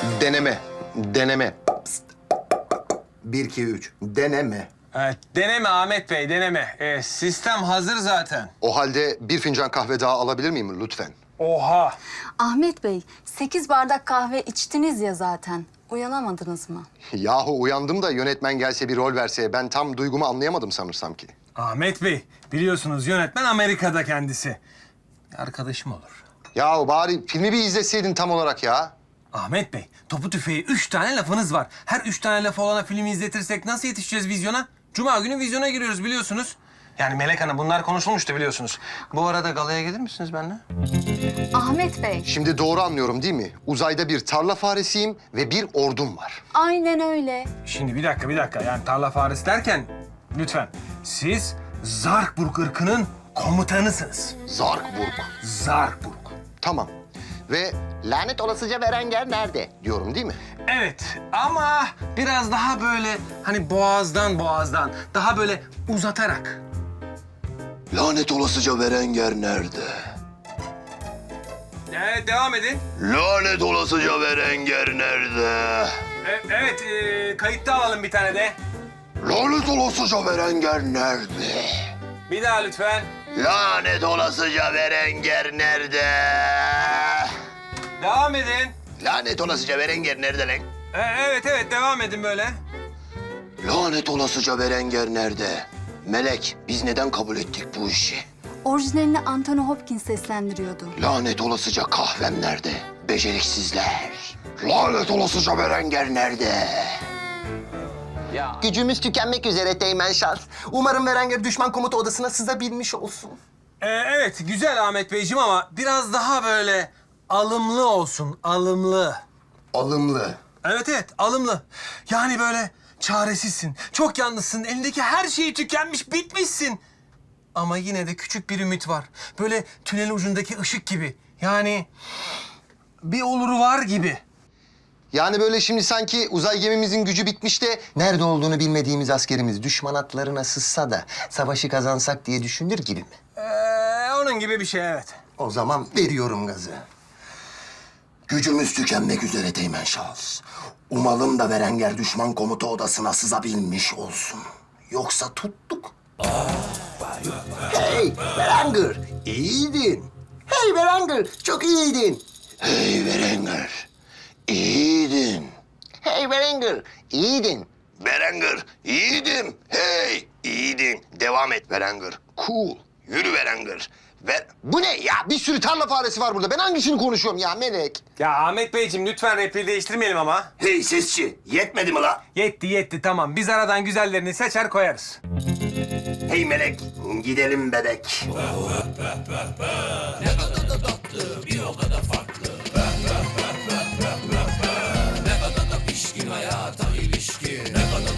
Deneme. Deneme. Pst. 1, 2, 3. Deneme. Evet, deneme Ahmet Bey, deneme. Sistem hazır zaten. O halde bir fincan kahve daha alabilir miyim lütfen? Oha! Ahmet Bey, 8 bardak kahve içtiniz ya zaten. Uyanamadınız mı? Yahu uyandım da yönetmen gelse bir rol verse ben tam duygumu anlayamadım sanırsam ki. Ahmet Bey, biliyorsunuz yönetmen Amerika'da kendisi. Arkadaşım olur. Yahu bari filmi bir izleseydin tam olarak ya. Ahmet Bey, topu tüfeği 3 tane lafınız var. Her 3 tane lafı olana filmi izletirsek nasıl yetişeceğiz vizyona? Cuma günü vizyona giriyoruz biliyorsunuz. Yani Melek Hanım bunlar konuşulmuştu biliyorsunuz. Bu arada galaya gelir misiniz benimle? Ahmet Bey, Şimdi doğru anlıyorum değil mi? Uzayda bir tarla faresiyim ve bir ordum var. aynen öyle. Şimdi bir dakika. Yani tarla faresi derken lütfen siz Zarkburg ırkının komutanısınız. Zarkburg. Zarkburg. Tamam. Ve lanet olasıca Berenger nerede diyorum değil mi? Evet ama biraz daha böyle hani boğazdan daha böyle uzatarak. Lanet olasıca Berenger nerede? Evet devam edin. Lanet olasıca Berenger nerede? Evet kayıtta alalım bir tane de. Lanet olasıca Berenger nerede? Bir daha lütfen. Lanet olasıca Berenger nerede? Devam edin. Lanet olasıca Berenger nerede lan? Evet devam edin böyle. Lanet olasıca Berenger nerede? Melek, biz neden kabul ettik bu işi? Orijinalini Anthony Hopkins seslendiriyordu. Lanet olasıca kahvem nerede? Beceriksizler. Lanet olasıca Berenger nerede? Ya. Gücümüz tükenmek üzere Teğmen Şans. Umarım Berenger düşman komuta odasına sızabilmiş olsun. Evet güzel Ahmet Beyciğim ama biraz daha böyle alımlı olsun, alımlı. Alımlı. Evet alımlı. Yani böyle çaresizsin, çok yalnızsın, elindeki her şeyi tükenmiş, bitmişsin. Ama yine de küçük bir ümit var. Böyle tünel ucundaki ışık gibi. Yani bir oluru var gibi. Yani böyle şimdi sanki uzay gemimizin gücü bitmiş de nerede olduğunu bilmediğimiz askerimiz düşman atlarına sızsa da savaşı kazansak diye düşünür gibi mi? Onun gibi bir şey evet. O zaman veriyorum gazı. Gücümüz tükenmek üzere Teğmen Şahıs. Umalım da Berenger düşman komuta odasına sızabilmiş olsun. Yoksa tuttuk. Hey Berenger, iyiydin. Hey Berenger, çok iyiydin. Hey Berenger, iyiydin. Hey Berenger, iyiydin. Berenger, iyiydim. Hey, iyiydin. Devam et Berenger. Cool. Yürü Berenger. Bu ne ya? Bir sürü tarla faresi var burada. Ben hangisini konuşuyorum ya Melek? Ya Ahmet Beyciğim lütfen repliği değiştirmeyelim ama. Hey sesçi, yetmedi mi la? Yetti tamam. Biz aradan güzellerini seçer koyarız. Hey Melek, gidelim bebek.